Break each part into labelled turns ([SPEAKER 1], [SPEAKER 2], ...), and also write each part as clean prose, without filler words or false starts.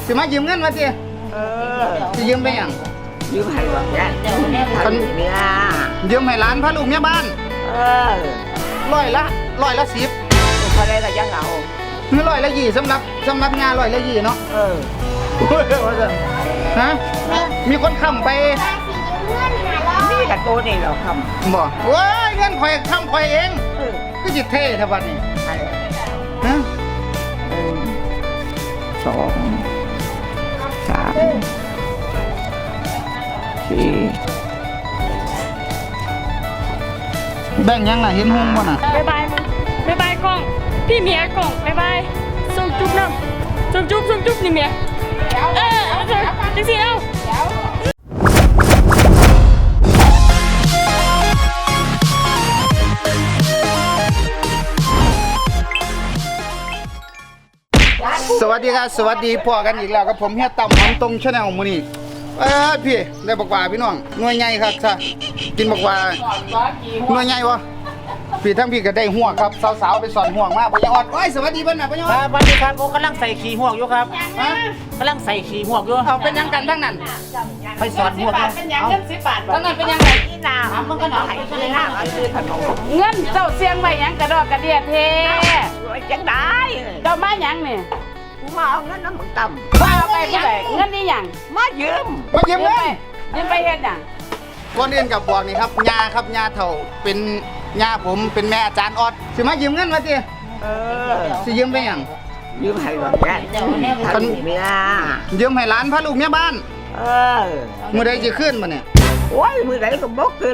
[SPEAKER 1] สิมายืมเงินมาสิสิยืมไปยัง
[SPEAKER 2] ยืมให้หรอกจ้ะคนเนี่ย
[SPEAKER 1] ยืมให้ร้านพระลูกเมียบ้านร้อยละ10
[SPEAKER 2] เขาได้ก็ยังเอา
[SPEAKER 1] คือร้อยละ20สำหรับงานร้อยละ20เนาะฮะมีคนค้ำไป
[SPEAKER 2] นี่กับตัวนี่เราค้
[SPEAKER 1] ำบ่โอ้ยเงินข่อยค้ำข่อยเองก็จิตเท่แท้บัดนี้ฮะ
[SPEAKER 2] 2 3 4
[SPEAKER 1] แบ่งยังล่ะเห็นหุ้มบ่น่ะ
[SPEAKER 3] บ๊ายบายกล้องพี่เมียกล้องบ๊ายบายส่งจุ๊บน้ำส่งจุ๊บนี่เมียเอาเถอะจังสิเอา
[SPEAKER 1] สวัสดีครับสวัสดีพ่อกันอีกแล้วกับผมเฮียต่ำหอมตรงชาแนลมื้อนี้พี่ได้บอกว่าพี่น้องหน่วยใหญ่ครับจ้ะกินบอกว่าหน่วยใหญ่วะพี่ทั้งพี่ก็ได้ห่วงครับสาวๆไปสอนห่วงมาพ่อยังอดโอ้ยสวัสดีเพิ่นน่ะพ่อยังอด
[SPEAKER 4] สวัสดีครับโอ้กำลังใส่ขี่ห่วงอยู่ครับกำลังใส่ขี่ห่วงอยู่
[SPEAKER 1] เอาเป็นยังกันทั้งนั้น
[SPEAKER 4] ไปสอนห่วง
[SPEAKER 3] เป็นยังเงิน10 บาท
[SPEAKER 1] ทั้งนั้นเป็นยังไง
[SPEAKER 2] นี่นามันก็หน่อยเลยนะซื้อขนม
[SPEAKER 3] เงินเจ้าเสียงไว้ยังกระดอกกระเดียเท
[SPEAKER 2] จังได้
[SPEAKER 3] เจ้ามาหยังนี่
[SPEAKER 2] กูมาเอาเงินน้ำมึงต่ำ
[SPEAKER 3] ว่าเอาไปเท่าไหร่เงินนี่หยัง
[SPEAKER 2] มายืม
[SPEAKER 1] เงิน
[SPEAKER 3] ยืมไปเฮ็ดหยัง
[SPEAKER 1] ก่อนอื่นกับบอกนี่ครับยาครับยาเฒ่าเป็นยาผมเป็นแม่อาจารย์ออดสิมายืมเงินมาสิสิยืมไปหยัง
[SPEAKER 2] ยืมให้หรอกจ้ะคนเมีย
[SPEAKER 1] ยืมให้ร้านพระลูกเมียบ้านมื้อใดสิขึ้นมาเนี่ย
[SPEAKER 2] โอ้ยมื้อใดก็บ่ขึ้น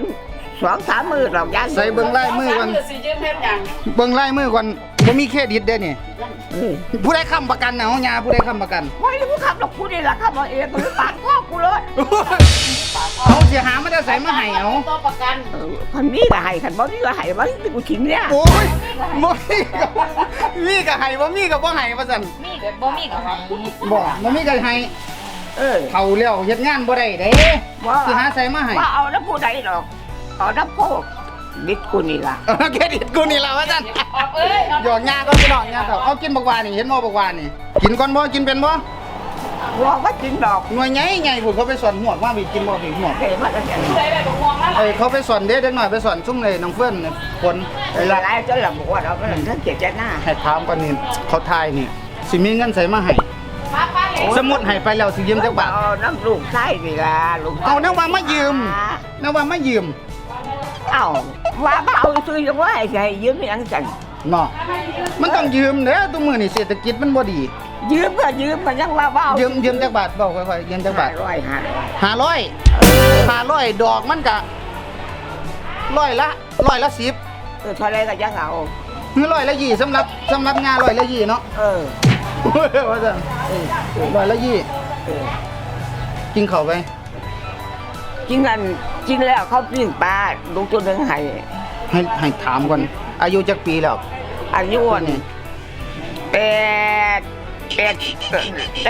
[SPEAKER 2] 2-3 มื้อหรอกยัน
[SPEAKER 1] ใส่เบิ่งลายมือก่อนเบิ่งลายมือก่อนบ่มีเครดิตเด้นี่ผู้ใดค้ำประกันน่ะเฮายาผู้ใดค้ำประกัน
[SPEAKER 2] โอ้ยกูขับหรอกกูนี่ล่ะขับเอาเองกูปาดคอกูเลย
[SPEAKER 1] เอาสิหามาได้ใส่มาให้เอา
[SPEAKER 3] ตัวประกัน
[SPEAKER 2] คันนี้ก็ให้คันบ่มีก็ให้บ่กูทิ้งเนี่ย
[SPEAKER 1] โอ้ยบ่มีก็ให้บ่มีก็บ่ให้ว่าซั่น
[SPEAKER 3] มีก็บ่มีก็ให้
[SPEAKER 1] บ่มีก็ให้เฒ่าแล้วเฮ็ดงานบ่ได้เด้สิหาใส่มาให้
[SPEAKER 2] ว่าเอาแล้วผู้ใดหรอกเอาน้ำโคกดิดกูนี่ล่ะ
[SPEAKER 1] เครดิตกูนี่ล่ะว่าซั่นหยอกยาก็พี่น้องยาเฒ่าเอากินบักหวานนี่เห็นบ่บักหวานนี่กินก่อนบ่กินเป็นบ่
[SPEAKER 2] ว่ากินดอก
[SPEAKER 1] หน่วยใหญ่ๆพุ่นเขาไปสอนหัวว่ามีกินบ่มีหัว
[SPEAKER 2] มาแล้วเนี่ย
[SPEAKER 1] เขาไปสอนเด็กหน่อยไปสอนซุ่มเลยน้องเฟื่อนคน
[SPEAKER 2] ละลายจนหลับบอกว่าเราเป็นทั้งเกียรติหน้า
[SPEAKER 1] ให้ถามก่อนนี่เขาทายนี่สิมีเงินใส่มาให้สมมุติให้ไปแล้วสิยืมจักบาท
[SPEAKER 2] น้ำลูกไส้นี่ล่ะลูก
[SPEAKER 1] เอาน้ำว่ามายืม
[SPEAKER 2] เอ้าว่าเอาซื้อยังว่าให้ยืมยังจัง
[SPEAKER 1] เนาะมันต้องยืมเด้อทุกมื้อนี่เศรษฐกิจมันบ่ดี
[SPEAKER 2] ยืมก็ยืมมันยังว่าเอา
[SPEAKER 1] ยืมจักบาทเว้าค่อยๆยืมจักบาท500ดอกมันก็ร้อยละ10
[SPEAKER 2] เท่าไรก็ยังเอา
[SPEAKER 1] คือร้อยละ20สำหรับงานร้อยละ20เนาะว่าซั่นร้อยละ20กินข้าวไป
[SPEAKER 2] กินแล้วเขาปิ้งปลาลูกตัวนึง
[SPEAKER 1] ให้ถามก่อนอายุจักปีแล้ว
[SPEAKER 2] อายุนี่8ได้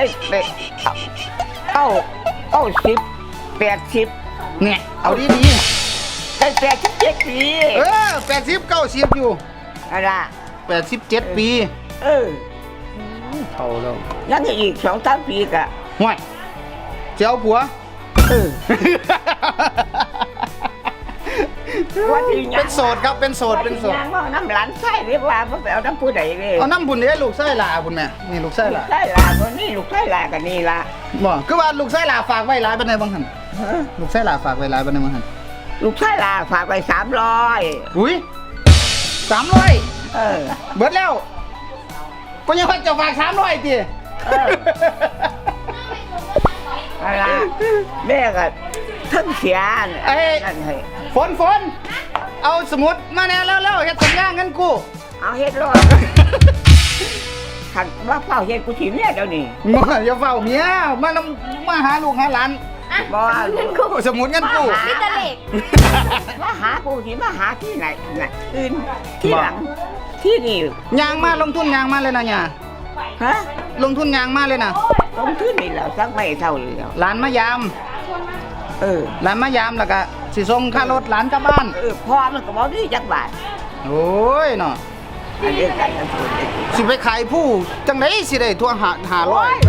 [SPEAKER 2] 90 80
[SPEAKER 1] เนี่ยเอาดี
[SPEAKER 2] ได้87 ปี
[SPEAKER 1] 80 90อยู่
[SPEAKER 2] อะไร
[SPEAKER 1] 87 ปีเท่าแล้ว
[SPEAKER 2] ยังอีก 2-3 ปีกะ
[SPEAKER 1] ห่วยเจ้าผัวเป็นโสดครับเป็นโสด
[SPEAKER 2] น้ำหลานไส้เรียกว่าไปเอาน้ำผู้ใดเลย
[SPEAKER 1] เอาน้ำบุญเนี่ยลูกไส้ลาบุญแม่นี่ลูกไส้ลา
[SPEAKER 2] ตัวนี้ลูกไส้ลากันนี่ละ
[SPEAKER 1] บ่คือว่าลูกไส้ลาฝากไว้หลายปานใดบ้างหั่นลูกไส้ลาฝากไว้หลายปานใดบ้างหั่น
[SPEAKER 2] ลูกไส้ลาฝากไว้300
[SPEAKER 1] อุ้ย300เบิดแล้วก็ยังจะฝาก300ติ
[SPEAKER 2] อะไรแม่ก็ทั้งเสีย
[SPEAKER 1] ฝนเอาสมุดมาแน่แล้วเฮ็ดสัญญาเงินกู้
[SPEAKER 2] เอาเฮ็ดรอดขันว่าเฝ้าเฮ็ดกูถีเนี่ยเดี๋ยวนี้
[SPEAKER 1] อย่าเฝ้าเมียมาหาลูกหาหลาน
[SPEAKER 2] บ่
[SPEAKER 1] เงินกู้สมุดเงินกู้
[SPEAKER 3] มีแต่เลข
[SPEAKER 2] มาหากูที่มาหาที่ไหนอื่นที่หลังที่นี่
[SPEAKER 1] ยางมาลงทุนยางมาเลยนะเนี่ย
[SPEAKER 2] ฮะ
[SPEAKER 1] ลงทุนยางมาเลยนะ
[SPEAKER 2] ลงทุนนี่แล้วสักไม่เท่าเลยแล้ว
[SPEAKER 1] หลานมายามหลานมายามแล้วก็สิส่งค่ารถหลานกลับบ้าน
[SPEAKER 2] พ่อมันก็บอกนี่จักบาท
[SPEAKER 1] โอ้ยเนาะสิไปขายผู้จังได๋สิได้ทั่ว500บัดนี้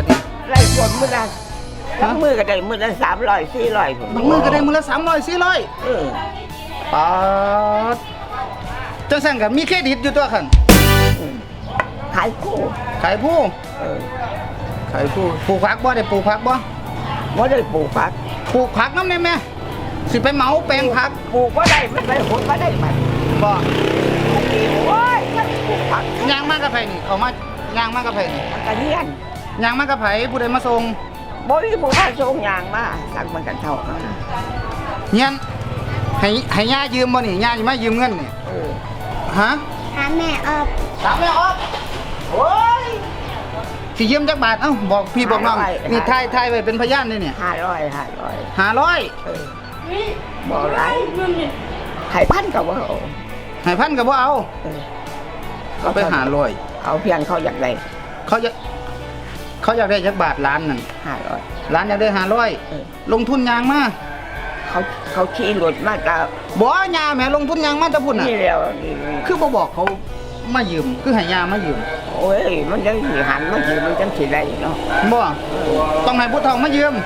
[SPEAKER 2] ไล่ฝนมื้อละทั้งมือก็ได้มื้อละ300 400ผม
[SPEAKER 1] บางมื้อก็ได้มื้อละ300 400
[SPEAKER 2] เออ
[SPEAKER 1] ปาดจังซั่นก็มีเครดิตอยู่ตัวคั่น
[SPEAKER 2] ขายคู่
[SPEAKER 1] ขายผู้
[SPEAKER 2] เออ
[SPEAKER 1] ขายผู้ปลูกผักบ่ได้ปลูกผักบ่
[SPEAKER 2] บ่ได้ปลูกผัก
[SPEAKER 1] ปลูกผักนำได้แม่สิไปเหมาแปลงผัก
[SPEAKER 2] ปลูกบ่ได้มันไปผลบ่ได้มัน
[SPEAKER 1] บ่
[SPEAKER 2] โอ้ยมันปลูกผัก
[SPEAKER 1] ย่างมากับไผนี่เขามาย่างมากับไผนี่
[SPEAKER 2] มันก็เฮียน
[SPEAKER 1] ย่างมากับไผผู้ใดมาส่ง
[SPEAKER 2] บ่มีผู้พาส่งยางมาสั่งมันกันเท่านั้น
[SPEAKER 1] เฮียนให้ย่ายืมบ่นี่ย่าสิมายืมเงินนี่
[SPEAKER 2] เออ
[SPEAKER 1] ฮะ
[SPEAKER 5] หาแม่ออก
[SPEAKER 1] ถามแม่ออฟโอ้ยสิยืมจักบาทเอ้าบอกพี่บอกน้องนี่ถ่ายไว้เป็นพยานเลยเนี่ย
[SPEAKER 2] 500
[SPEAKER 1] 500
[SPEAKER 2] เออ
[SPEAKER 3] นี่
[SPEAKER 2] บ่หลาย
[SPEAKER 3] เงินนี่
[SPEAKER 2] ให้พันก็บ่เอา
[SPEAKER 1] ให้พันก็บ่เอา
[SPEAKER 2] เออ
[SPEAKER 1] เอาไป500
[SPEAKER 2] เอาเพียงเขาอยากได้
[SPEAKER 1] เขาอยากได้จักบาทล้านนั่น
[SPEAKER 2] 500
[SPEAKER 1] ล้านอยากได้
[SPEAKER 2] เออ
[SPEAKER 1] 500ลงทุนยางมา
[SPEAKER 2] เขาขี่รถมาตา
[SPEAKER 1] บ่ยาแหมลงทุนยางมาแตะพุ่นน่ะ
[SPEAKER 2] นี่แล้วนี่
[SPEAKER 1] คือบ่บอกเขามายืมคือให้ยามายืม
[SPEAKER 2] โอ้ยมันจังสิหันมาสิมันจังสิได้เนาะ
[SPEAKER 1] บ่ต้องให้ผู้เฒ่ามายืม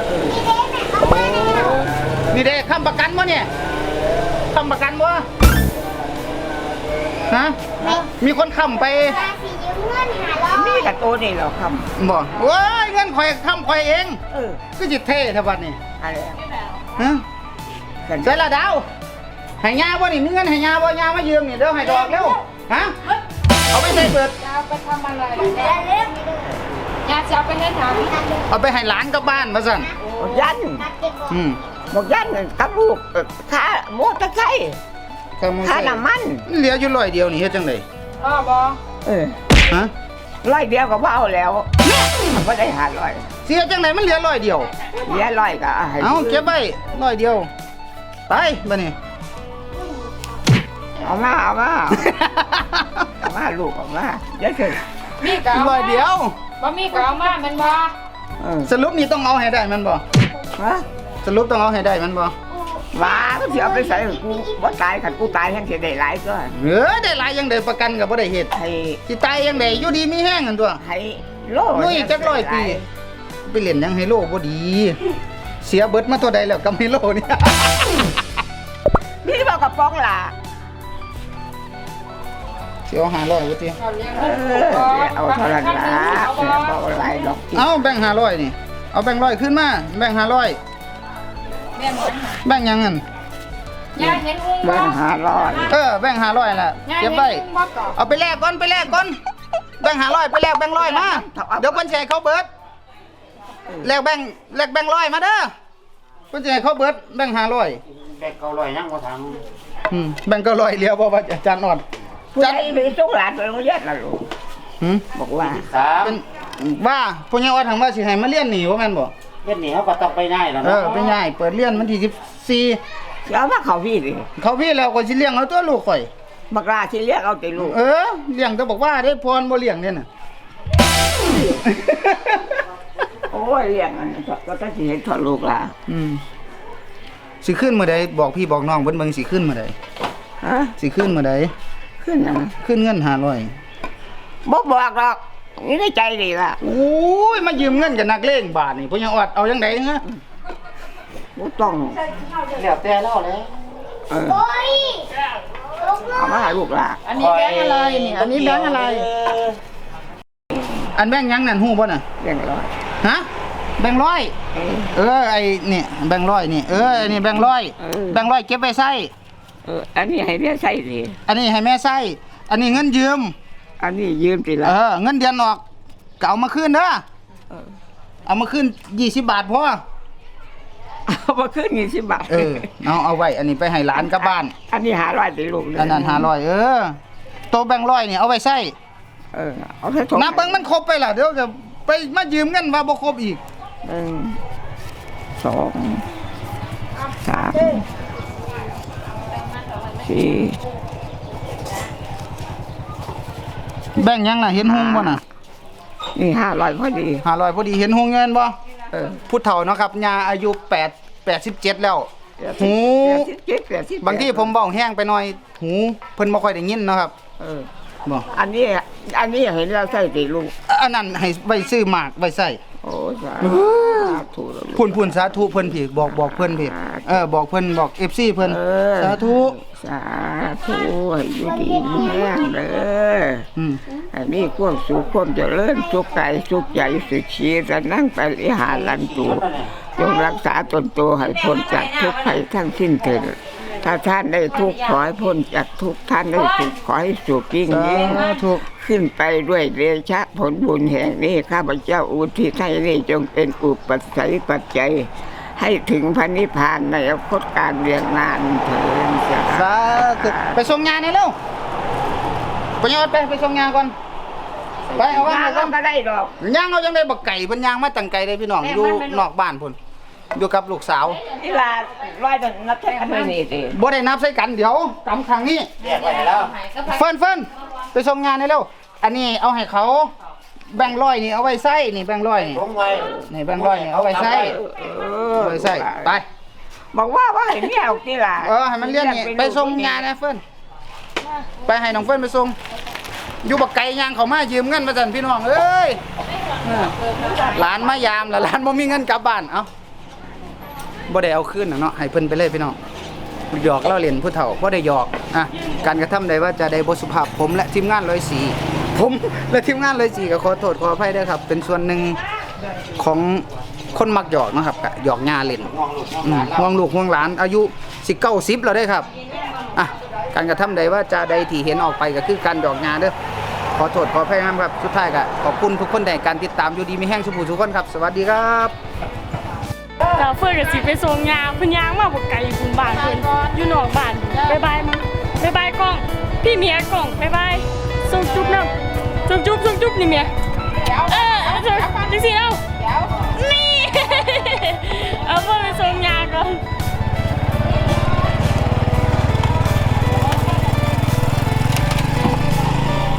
[SPEAKER 1] นี่เด้ค้ำประกันบ่เนี่ยค้ำประกันบ่ฮะมีคนค้ำไป
[SPEAKER 5] ภาษียืมเงิน500
[SPEAKER 2] นี่กับตัวนี่เหรอครับ
[SPEAKER 1] บ่โอ้ยเงินข่อยค้ำข่อยเอง
[SPEAKER 2] เออ
[SPEAKER 1] คือจิตเท่แท้บัดนี้
[SPEAKER 2] อะไร
[SPEAKER 1] ฮะใส่ละดาวให้ยาบ่นี่มีเงินให้ยาบ่ยามายืมนี่เดี๋ยวให้ดอกเร็วฮะเอาไปใส่เปิด
[SPEAKER 3] จะเอาไปทำอะไรยาจะเอาไปให้ทำ
[SPEAKER 1] เอาไปให้หลานกับบ้านมาสั่น
[SPEAKER 2] บอกยัน
[SPEAKER 1] อืม
[SPEAKER 2] บอกยันกับลูกค่าโมอเตอร์ไซค์ ค่าน้ำมัน
[SPEAKER 1] เหลืออยู่100เดียวนี่เฮ็ดจังได๋
[SPEAKER 3] พ่อบอก
[SPEAKER 2] เออ
[SPEAKER 1] ฮะ
[SPEAKER 2] 100เดียวก็บ่เอาแล้วมันบ่ได้500
[SPEAKER 1] เสียจังได๋มันเหลือ100เดียว
[SPEAKER 2] เหลือ100ก็ให้
[SPEAKER 1] เอาเก็บไว้100เดียวไปบัดนี้
[SPEAKER 2] เอามาลูกเอามาเดี๋ยวเถอะ
[SPEAKER 3] มีกเอามา
[SPEAKER 1] 100เดียว
[SPEAKER 3] บ่มีก็เอามาแมันบ่
[SPEAKER 2] เออ
[SPEAKER 1] สรุปนี่ต้องเอาให้ได้แมันบ่
[SPEAKER 2] ฮะ
[SPEAKER 1] สรุปต้องเอาให้ได้แมันบ่
[SPEAKER 2] ว่าก็สิเอาไปใส่กูบ่ตายคันกูตายยังสิได้หลายก็
[SPEAKER 1] ได้หลายยังได้ประกันก็บ่ได้เฮ็ด
[SPEAKER 2] ให้
[SPEAKER 1] สิตายยังได้อยู่ดีมีแห้งกันตัว
[SPEAKER 2] ให้โล
[SPEAKER 1] ลุยจัก100ปีไปเล่นยังไฮโลบ่ดี เสียเบิดมาเท่าใดแล้วกับไฮโลเนี่ย
[SPEAKER 2] นี่บอกกับป้องล่ะ
[SPEAKER 1] เสีย500บ่ติ
[SPEAKER 3] เอาเลี้ยง
[SPEAKER 2] เอ
[SPEAKER 3] ลูก
[SPEAKER 2] อเอาเท่านั้นล่ะบอกหลายดอก
[SPEAKER 1] เอาแบ่ง500นี่เอาแบ่ง100ขึ้นมาแบ่ง500
[SPEAKER 3] แม่หมด
[SPEAKER 1] แบ่งยังงั้น
[SPEAKER 3] ยายเห็นอุ้งบ่
[SPEAKER 2] เบิ่ง500
[SPEAKER 1] แบ่ง500ล่ะ
[SPEAKER 3] ยาย
[SPEAKER 1] เก็
[SPEAKER 3] เห็
[SPEAKER 1] บ
[SPEAKER 3] น
[SPEAKER 1] ไว้
[SPEAKER 3] อุ้งบ่ก่อน
[SPEAKER 1] เอาไปแลกก่อนแบ่ง500ไปแลกแบ่ง100มาเดี๋ยวเพิ่นสิให้เขาเบิดแลกแบ่ง100มาเด้อเพิ่นสิให้เขาเบิดแบ่ง500
[SPEAKER 4] แบก900ยังบ่ทาง
[SPEAKER 1] แบ่ง900เหลียวบ่ว่าอาจารย์ออด
[SPEAKER 2] ผู้ใหญ่ไปส่งหลานไปโรงเรียนล่ะลูก
[SPEAKER 1] หืม
[SPEAKER 2] บอกว่า
[SPEAKER 1] เป็นว่าผู้ใหญ่ออดทางว่าสิให้มาเรียนนี่ว่าแม่นบ่
[SPEAKER 4] เฮ็ดนี่เขาก็ต้องไปง่ายแล้ว
[SPEAKER 1] เอ
[SPEAKER 4] เนาะ
[SPEAKER 1] อไปง่ายเปิดเรียนวันที่14
[SPEAKER 2] เอามาเขาพี่ดิ
[SPEAKER 1] เขาพี่แล้วก็สิเลี้ยงเอาตัวลูกข่อย
[SPEAKER 2] บักลาสิเรียกเอาแต่ลูก
[SPEAKER 1] เลี้ยงแต่บอกว่าได้พรบ่เลี้ยงเนี่ยน่ะ
[SPEAKER 2] โอ้ยเรียกอันนั้นก็ต้องสิเห็นทอดลูกล่ะ
[SPEAKER 1] สิขึ้นมื้อใดบอกพี่บอกน้องเพิ่นเบิ่งสิขึ้นมื้อใด
[SPEAKER 2] ฮะ
[SPEAKER 1] สิขึ้นมื้อใด
[SPEAKER 2] ขึ้นนะ
[SPEAKER 1] ขึ้นเงิน500
[SPEAKER 2] บ่บอกหรอกนี่ในใจดีล่ะ
[SPEAKER 1] โอ้ยมายืมเงินกับนักเลงบาทนี่ผู้ใหญ่ออดเอาจังได๋ฮะ
[SPEAKER 2] บ่ต้อง
[SPEAKER 4] แล้วแต่เราแล้ว
[SPEAKER 2] เออ
[SPEAKER 5] โอ้ย
[SPEAKER 2] เอามาให้ลูกล่ะ
[SPEAKER 3] อันนี้แบงค์อะไรนี่อันนี้แบงค์อะไร
[SPEAKER 1] อันแบ่งยังนั่นฮู้บ่น่ะ
[SPEAKER 2] เรียงร้อย
[SPEAKER 1] ฮะแบ่งร้อยไอ้นี่แบ่งร้อยนี่ไอ้นี่แบ่งร้อยแบ่งร้อยเก็บไว้ใช้
[SPEAKER 2] อันนี้ให้เรียกใส่ดิ
[SPEAKER 1] อันนี้ให้แม่ใช้อันนี้เงินยืม
[SPEAKER 2] อันนี้ยืมติละ
[SPEAKER 1] เงินเดือนออกก็เอามาคืนเด้อเอามาคืน20 บาทพอ
[SPEAKER 2] เอามาขึ้น20 บาท
[SPEAKER 1] เอาไว้อันนี้ไปให้หลานกลับบ้าน
[SPEAKER 2] อันนี้500ติลูกเลย
[SPEAKER 1] อันนั้น500โตแบ่งร้อยนี่เอาไว้ใช้
[SPEAKER 2] เอาแค่2
[SPEAKER 1] นับเบิ่งมันครบไปล่ะเดี๋ยวจะไปมายืมเงินว่าบ่ครบอีก
[SPEAKER 2] 1 2 3 4
[SPEAKER 1] แบ่งยังน่ะเห็นหงบ่น่ะ
[SPEAKER 2] นี่500พอดี
[SPEAKER 1] 500พอดีเห็นหงเงินบ่ผู้เฒ่าเนาะครับยาอายุ87แล้วหู
[SPEAKER 2] 87
[SPEAKER 1] บางทีผมเว้าแห้งไปหน่อยหูเพิ่นบ่ค่อยได้ยินเนาะครับบ่
[SPEAKER 2] อันนี้เห็นเราใส่ติลูก
[SPEAKER 1] อันนั้นให้ไว้ซื้อหมากไว้ใส่
[SPEAKER 2] โอ้โอ้สาธุ
[SPEAKER 1] พุ่นสาธุเพิ่นพี่บอกเพิ่นพี่บอกเพิ่นบอก FC เพิ่นสาธุ
[SPEAKER 2] สาธุให้อยู่ดีมีแรงเด้อให้มีความสุขความเจริญสุขกายสุขใจสุขชีวิตนั่งไปลิหารันตูจงรักษาตนตัวให้พ้นจากทุกข์ภัยทั้งสิ้นเถิดถ้าท่านได้ทุกข์ขอให้พ้นจากทุกข์ท่านได้สุขขอให้สุขยิ่งยิ่งขึ้นไปด้วยเดชะผลบุญแห่งนี้ข้าพเจ้าอุทิศให้นี้จงเป็นอุปสัยปัจจัยให้ถึงพระนิพพานในอนาคตการเรียงนานเถิด
[SPEAKER 1] สาธุไปส่งงานนี่เร็วไปยอดไปส่งงานก่อนไปเอาว่า
[SPEAKER 2] ก็ไม่ได้ดอก
[SPEAKER 1] ย่างเอาจังได้บักไก่เพิ่นย่างมาตั้งไก่เลยพี่น้องอยู่นอกบ้านพุ่นอยู่กับลูกสาว
[SPEAKER 2] นี่ล่ะร้อยเป็นนับแท้กันไม่นี่สิ
[SPEAKER 1] บ่ได้นับใส่กันเดี๋ยวกำครั้งนี้
[SPEAKER 4] แยกไว้แล้ว
[SPEAKER 1] เฟิ่นไปส่งงานนี่เร็วอันนี้เอาให้เขาแบ่งร้อยนี่เอาไว้ใส่นี่แบ่งร้อยนี่
[SPEAKER 4] ลงไว้
[SPEAKER 1] นี่แบ่งร้อยนี่เอาไว้ใส่เอาไว้ใส่ไป
[SPEAKER 2] บอกว่าให้เมียออกที่ล่ะ
[SPEAKER 1] ให้มันเรียนนี่ไปส่งงานนะเฟิ่นไปให้น้องเฟิ่นไปส่งอยู่บักไก่ย่างเขามายืมเงินมาสั่นพี่น้องเอ้ยหลานมายามแล้วหลานบ่มีเงินกลับบ้านเอ้าบ่ได้เอาคืนเนาะให้เพิ่นไปเลยพี่น้องหยอกเล่าเล่นผู้เฒ่าบ่ได้หยอกการกระทำใดว่าจะได้บ่สุภาพผมและทีมงาน104ผมและทีมงาน104ก็ขอโทษขออภัยด้วยครับเป็นส่วนหนึ่งของคนมักหยอกนะครับหยอกญาเล่นห่วงลูกห่วงหลานอายุ19 10แล้วได้ครับการกระทำใดว่าจะใดที่เห็นออกไปก็คือการหยอกญาเด้อขอโทษขออภัยครับสุดท้ายก็ขอบคุณทุกคนในการติดตามอยู่ดีมีแห้งสุภูทุกคนครับสวัสดีครับ
[SPEAKER 3] เราเฟิร์นกับสิไปส่งยางเพิ่นยางมาบ่ไกลคุณบ้านเพิ่นอยู่นอกบ้านบ๊ายบายมั้งบ๊ายบายกล้องพี่เมียกล้องบ๊ายบายส่งจุ๊บน้ำส่งจุ๊บนี่เมียจังซี่เอ้า